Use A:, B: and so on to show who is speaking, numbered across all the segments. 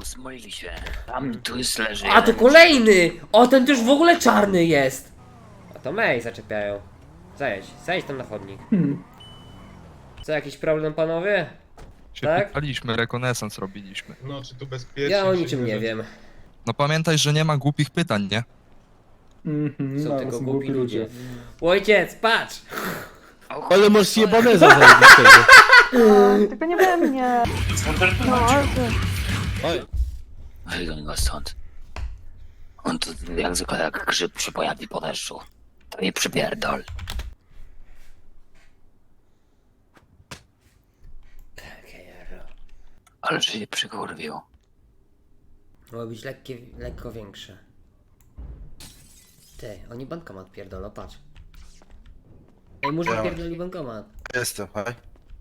A: Rozmylili się. Tam tu jest leży.
B: A to kolejny! O, ten też w ogóle czarny jest! A to May zaczepiają. Zajedź tam na chodnik. Co, jakiś problem, panowie?
C: Się
B: Tak?
C: pytaliśmy, rekonesans robiliśmy.
D: No, czy tu bezpiecznie?
B: Ja o
D: czy
B: niczym nie wiem.
C: No pamiętaj, że nie ma głupich pytań, nie?
B: Są
E: No,
B: tylko
E: są
B: głupi ludzie. Ojciec, patrz!
E: Ale masz jebaneza zajebistego.
F: Tylko nie we mnie. No, ale ty.
E: Oj,
A: Wygoń go stąd. On tu jak zwykle jak grzyb się pojawi po deszczu. To nie przypierdol. Ale że się przykurwił.
B: Mogło być lekko większe. Ty, oni bankomat pierdolą, patrz. Ej, murzyn pierdoli bankomat.
E: jestem, hej.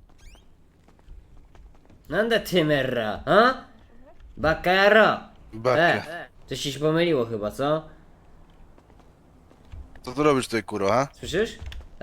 B: Nanda Timera, a? Bakaro!
E: Bakę.
B: Coś ci się pomyliło chyba, co?
E: Co tu robisz tutaj, kurwa, ha?
B: Słyszysz?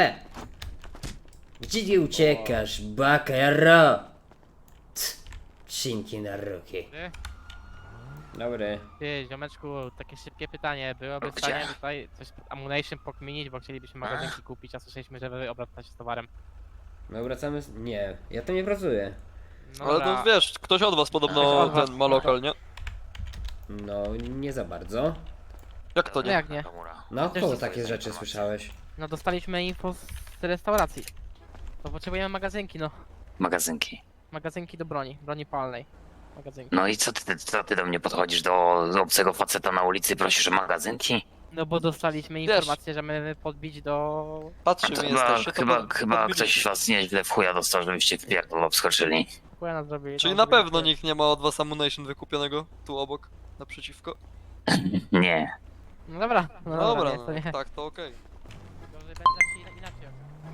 B: Gdzie ty uciekasz, Bakaro? Szynki na ruki. Dobry.
G: Ty, ziomeczku, takie szybkie pytanie. Byłoby w
A: Gdzie?
G: stanie tutaj coś ammunition pokminić, bo chcielibyśmy magazynki kupić, a słyszeliśmy, że wy obracacie z towarem.
B: My wracamy z... Nie, ja tam nie pracuję.
G: No
H: Ale
G: dobra.
H: to wiesz, ktoś od was podobno
G: Ktoś od was.
H: ten ma lokal, nie?
B: No, nie za bardzo.
H: Jak to
G: No
H: nie?
G: jak nie?
B: No,
G: Też
B: koło
G: to
B: takie rzeczy słyszałeś?
G: No dostaliśmy info z restauracji. To potrzebujemy magazynki, no.
A: Magazynki.
G: Magazynki do broni palnej. Magazynki.
A: No i co ty do mnie podchodzisz do obcego faceta na ulicy i prosisz o magazynki?
G: No bo dostaliśmy
H: Wiesz.
G: informację, że mamy podbić do...
H: Patrzy
A: To
H: mi
A: chyba,
H: jesteście, to
A: chyba
H: podbiliście.
A: ktoś was nieźle w chuja dostał, żebyście w pierdol obskoczyli.
G: Chuja nas zrobili.
H: Czyli
G: tam
H: na
G: zrobili
H: pewno
G: coś.
H: nikt nie ma od was ammunition wykupionego tu obok, naprzeciwko?
A: Nie.
G: No dobra,
H: No dobra,
G: nie, to nie.
H: no, tak, to okej.
G: Gorzej będzie jak się inaczej.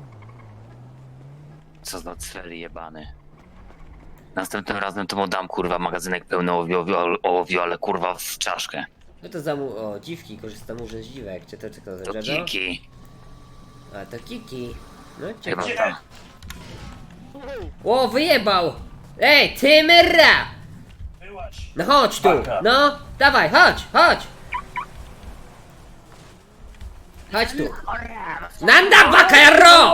A: Co za cweli jebany. Następnym razem to mu dam kurwa magazynek pełny ołowiu, ale kurwa w czaszkę.
B: No to o, dziwki, korzysta murzyn z dziwek. Czy to
A: To
B: Jojo?
A: kiki.
B: A, to Kiki. No,
A: Chyba
B: ciekawe.
A: to.
B: O, wyjebał! Ej, Tymera! No chodź tu! No, dawaj, chodź! Chodź tu! Nanda Bakaro!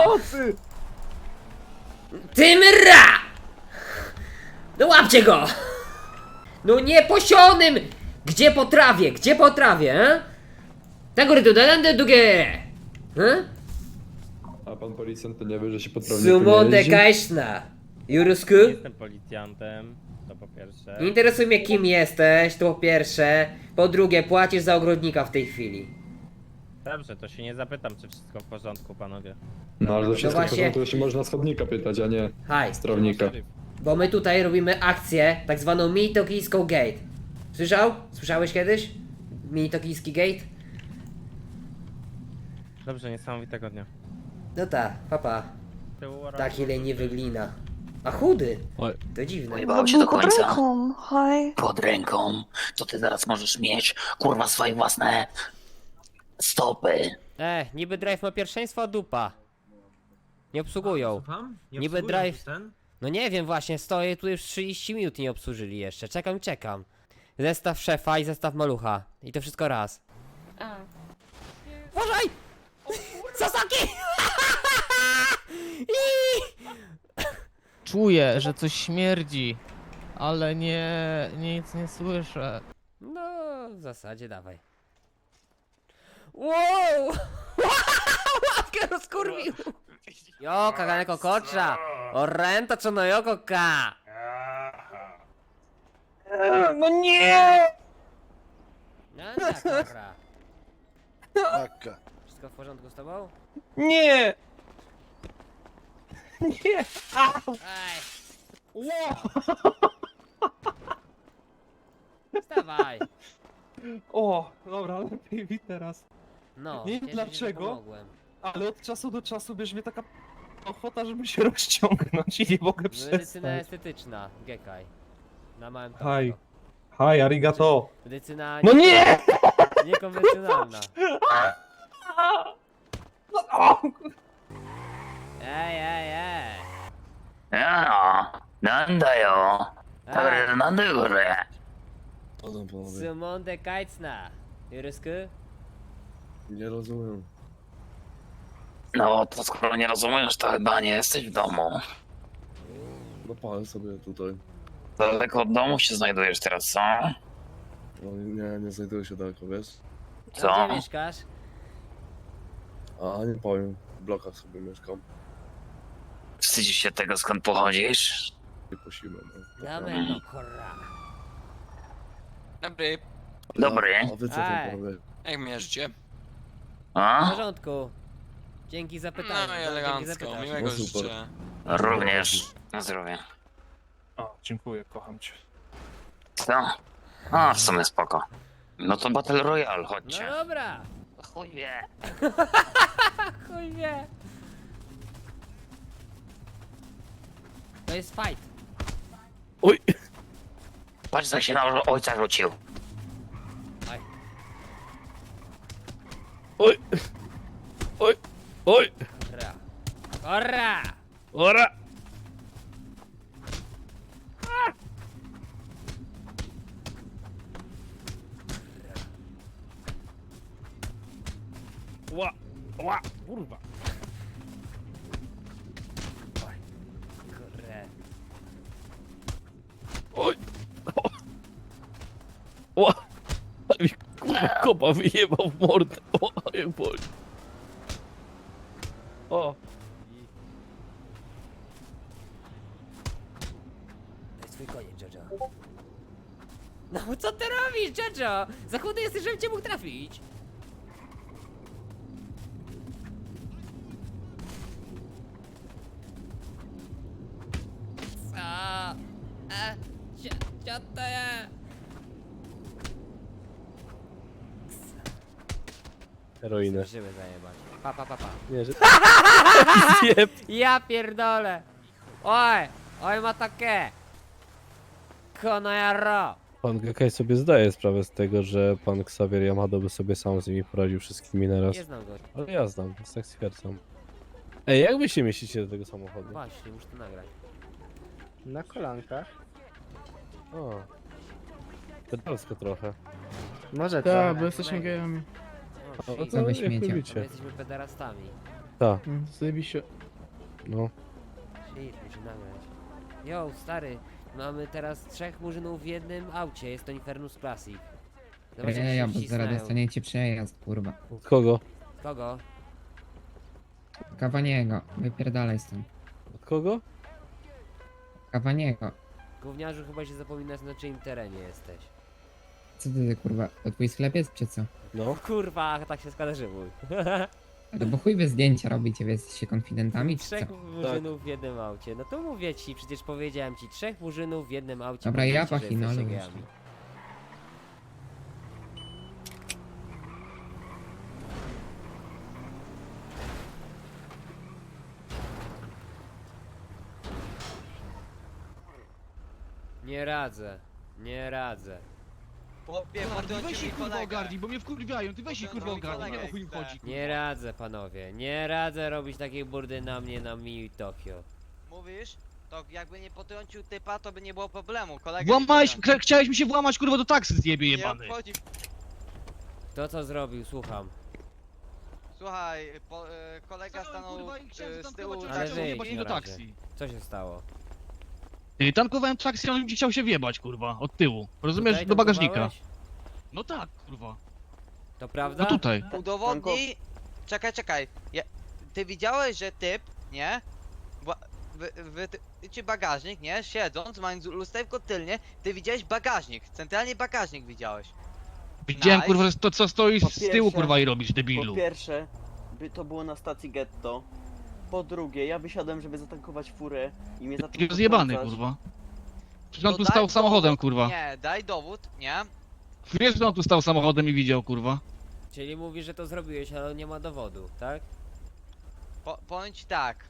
B: Tymera! No łapcie go! No nieposionym! Gdzie po trawie, he? Tego rytu, dalende dugie! He?
I: A pan policjant to nie wie, że się poprawnie
B: Sumonde Kajszna! Jurusku?
J: Jestem policjantem, to po pierwsze.
B: Nie interesuje mnie kim jesteś, to po pierwsze. Po drugie, płacisz za ogrodnika w tej chwili.
J: Dobrze, to się nie zapytam, czy wszystko w porządku, panowie.
I: No ale to wszystko
B: właśnie-
I: w porządku, to się można schodnika pytać, a nie
B: Haj,
I: strawnika.
B: bo my tutaj robimy akcję, tak zwaną mini-tokijską gate. Słyszałeś kiedyś? Mini-tokijski gate?
J: Dobrze, niesamowitego dnia.
B: No tak, papa. Taki leniwy glina. A chudy! To dziwne.
A: Pojebało się do
F: Pod
A: końca.
F: ręką, haj.
A: Pod ręką. To ty zaraz możesz mieć kurwa swoje własne stopy.
B: Niby drive ma pierwszeństwo, a dupa. Nie obsługują. Niby drive... No nie wiem właśnie, stoję tu już 30 minut i nie obsłużyli jeszcze. Czekam. Zestaw szefa i zestaw malucha. I to wszystko raz. Uważaj! Sasaki!
K: Czuję, że coś śmierdzi, ale nic nie słyszę.
B: No, w zasadzie dawaj. Wow! Łapkę rozkurwił! Jo, kaganeko kocza! Orrento co no joko ka!
K: No nie!
B: No tak, dobra.
E: Baka.
B: Wszystko w porządku z tobą?
K: Nie! Nie!
B: Ej! Wstawaj!
K: O, dobra, lepiej mi teraz.
B: No,
K: Nie wiem
B: cieszę się, że
K: dlaczego.
B: pomogłem.
K: Ale od czasu do czasu bierze mnie taka ochota, żeby się rozciągnąć i nie mogę
B: Medycyna
K: przestać.
B: estetyczna, Gekaj. Na małym
K: Haj.
B: topku.
K: Haj, arigato.
B: Medycyna
K: No nie!
B: niekonwencjonalna.
K: O,
B: Ej!
A: No,なんだよ。
B: Ej.
A: だからなんだよこれ。
B: Simon de Kajcna. Jurysku?
I: Nie rozumiem.
A: No to skoro nie rozumiesz, to chyba nie jesteś w domu.
I: No palę sobie tutaj.
A: Daleko od domu się znajdujesz teraz, co?
I: No, nie znajduję się daleko, wiesz?
A: Co?
B: Gdzie mieszkasz?
I: A nie powiem, w blokach sobie mieszkam.
A: Wstydzisz się tego, skąd pochodzisz?
I: Nie posimy, no.
B: Damy no kurwa.
H: Dobry,
A: Dobry.
I: A wy co tam
B: Ej.
I: panowie?
H: jak mierzycie?
B: W
A: A?
B: porządku. Dzięki za pytanie.
H: No i
B: Dzięki za
H: elegancko,
B: pytanie.
H: miłego
I: No super.
H: życzę.
A: Również. Na zdrowie.
K: O, dziękuję, kocham cię.
A: Co? A, w sumie spoko. No to Battle Royale,
B: No
A: chodźcie.
B: dobra.
A: Chuj wie.
B: Chuj wie. To jest fight.
I: Oj!
A: Patrz, jak się na ojca rzucił.
B: Oj.
I: Oj! Oj! Oj!
B: Kurra. Kurra.
I: Ora!
J: Ła! Ła! Kurwa!
B: Kurra.
I: Oj! O! Ale mi kurwa kopa wyjebał w mordę. O, jak boli. O!
B: To jest twój koniec, Jojo. No co ty robisz, Jojo? Za chudy jesteś, żebym cię mógł trafić. Co? Co to jest?
J: Heroinę.
B: Żyły zajebać. Pa, pa, pa, pa.
J: Nie, że...
B: Ja pierdolę. Oj, oj ma takie. Kono jarro.
J: Pan Gekaj sobie zdaje sprawę z tego, że pan Xavier Yamado by sobie sam z nimi poradził wszystkimi naraz.
B: Nie znam go.
J: Ale ja znam, więc tak stwierdzam. Ej, jak wy się mieścicie do tego samochodu?
B: Właśnie, muszę to nagrać.
J: Na kolankach. O. Pedalsko trochę.
G: Może
B: Tak, bo jesteśmy gejami.
J: A, no to jak
B: My
J: lubicie.
B: jesteśmy pederastami.
J: Tak,
K: Zajebiście.
J: no.
B: Shit, muszę nagrać. Yo, stary, mamy teraz 3 murzynów w jednym aucie, jest to Infernus Classic. Zobacz, jak się wcisnają.
D: dostaniecie przejazd, kurwa.
J: Od kogo?
B: Kogo?
D: Kawaniego, wypierdalaj stąd.
J: Od kogo?
D: Kawaniego.
B: Gówniarzu, chyba się zapominasz, na czyim terenie jesteś.
D: Co ty, kurwa, to twój sklep jest, czy co?
J: No.
B: Kurwa, tak się składa, że mój.
D: No bo chuj wy zdjęcia robicie, wy jesteście konfidentami, czy
B: 3
D: co?
B: murzynów w jednym aucie. No to mówię ci, przecież powiedziałem ci, 3 murzynów w jednym aucie.
D: Dobra,
B: mówię
D: ja
B: ci, że
D: pachinolu
B: jesteście
D: już.
B: gejami. Nie radzę, nie radzę.
H: Weź ich kurwa ogarnij,
K: bo mnie wkurwiają, ty weź ich kurwa ogarnij, nie o chuj im chodzi.
B: Nie radzę, panowie, nie radzę robić takiej burdy na mnie na Mii Tokio.
G: Mówisz? To jakby nie potrącił typa, to by nie było problemu. Kolega
K: Chciałeś mi się włamać kurwa do taksy, zjebie
G: nie obchodzi.
B: To co zrobił, słucham.
G: Słuchaj, kolega stanął z tyłu
B: Ale
G: taksówki.
B: wyjdź na razie. Co się stało?
K: Tankowałem taksy, on chciał się wjebać kurwa, od tyłu. Rozumiesz,
B: Tutaj
K: do bagażnika.
B: tankowałeś?
K: No tak, kurwa.
B: To prawda?
K: No tutaj.
G: Udowodnij... Czekaj. Ty widziałeś, że typ, nie? Czy bagażnik, nie? Siedząc, mając lusterko tylnie, ty widziałeś bagażnik. Centralnie bagażnik widziałeś.
K: Widziałem
G: Nice.
K: kurwa, że to co stoi
L: Po
K: z tyłu
L: pierwsze-
K: kurwa i robisz, debilu.
L: Po pierwsze, to było na stacji getto. Po drugie, ja wysiadłem, żeby zatankować furę i mnie zaczął
K: Takiego zjebany
L: potrącać.
K: kurwa. Przecież on
G: To
K: tu
G: daj
K: stał samochodem
G: dowód.
K: kurwa.
G: Nie, daj dowód, nie?
K: Wiesz, że on tu stał samochodem i widział kurwa.
B: Czyli mówisz, że to zrobiłeś, ale nie ma dowodu, tak?
G: Powiem ci tak.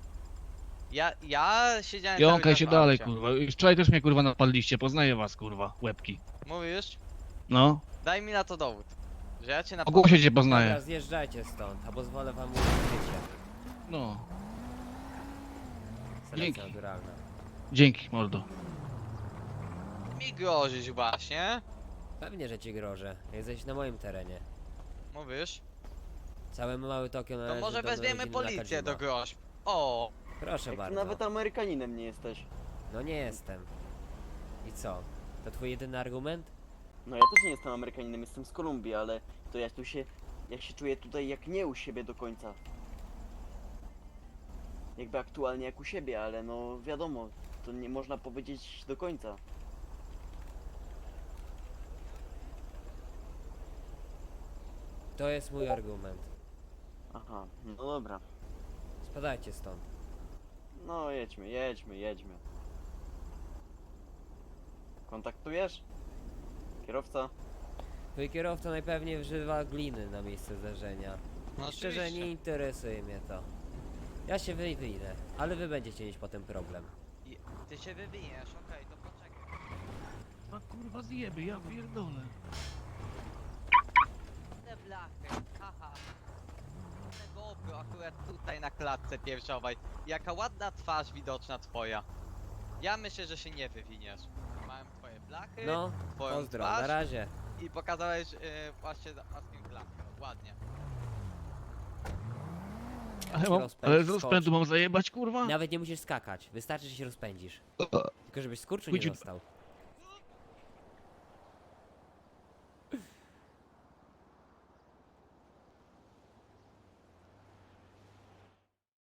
G: Ja siedziałem
K: Jąkaj
G: cały
K: się
G: czas w
K: dalej
G: aucie.
K: kurwa. Już wczoraj też mnie kurwa napadliście, poznaję was kurwa, łebki.
G: Mówisz?
K: No,
G: Daj mi na to dowód. Że ja cię na
K: o głosie cię
B: Dobra,
K: poznaję.
B: zjeżdżajcie stąd, albo zwolę wam użyć życia.
K: No,
B: Selekcja
K: Dzięki.
B: naturalna.
K: dzięki mordo.
G: Mi grozisz właśnie.
B: Pewnie, że ci grożę. Jesteś na moim terenie.
G: Mówisz?
B: Całe małe Tokio
G: To
B: należy
G: może
B: do
G: weźmiemy
B: rodziny
G: policję do
B: Nakajima.
G: groźb. O!
B: Proszę
L: Jak ty
B: bardzo.
L: nawet Amerykaninem nie jesteś.
B: No nie jestem. I co? To twój jedyny argument?
L: No ja też nie jestem Amerykaninem, jestem z Kolumbii, ale to ja się czuję tutaj jak nie u siebie do końca. Jakby aktualnie jak u siebie, ale no wiadomo, to nie można powiedzieć do końca.
B: To jest mój argument.
L: Aha, no dobra.
B: Spadajcie stąd.
L: No jedźmy. Kontaktujesz? Kierowca?
B: Twój kierowca najpewniej wżywa gliny na miejsce zdarzenia.
G: No
B: Szczerze
G: oczywiście.
B: nie interesuje mnie to. Ja się wyjdę, ale wy będziecie mieć potem problem.
G: Ty się wywiniesz, okej, to poczekaj.
I: A kurwa zjeby, ja pierdolę.
G: Te blachy, haha. Te GoPro akurat tutaj na klatce piersiowej. Jaka ładna twarz widoczna twoja. Ja myślę, że się nie wywiniesz. Mam twoje blachy,
B: No,
G: twoją
B: pozdro,
G: twarz
B: na razie.
G: i pokazałeś właśnie własnym blachę, ładnie.
B: Ale z rozpędu
I: mam zajebać kurwa?
B: Nawet nie musisz skakać, wystarczy, że się rozpędzisz. Tylko żebyś skurczu nie
I: Chodzi-
B: dostał.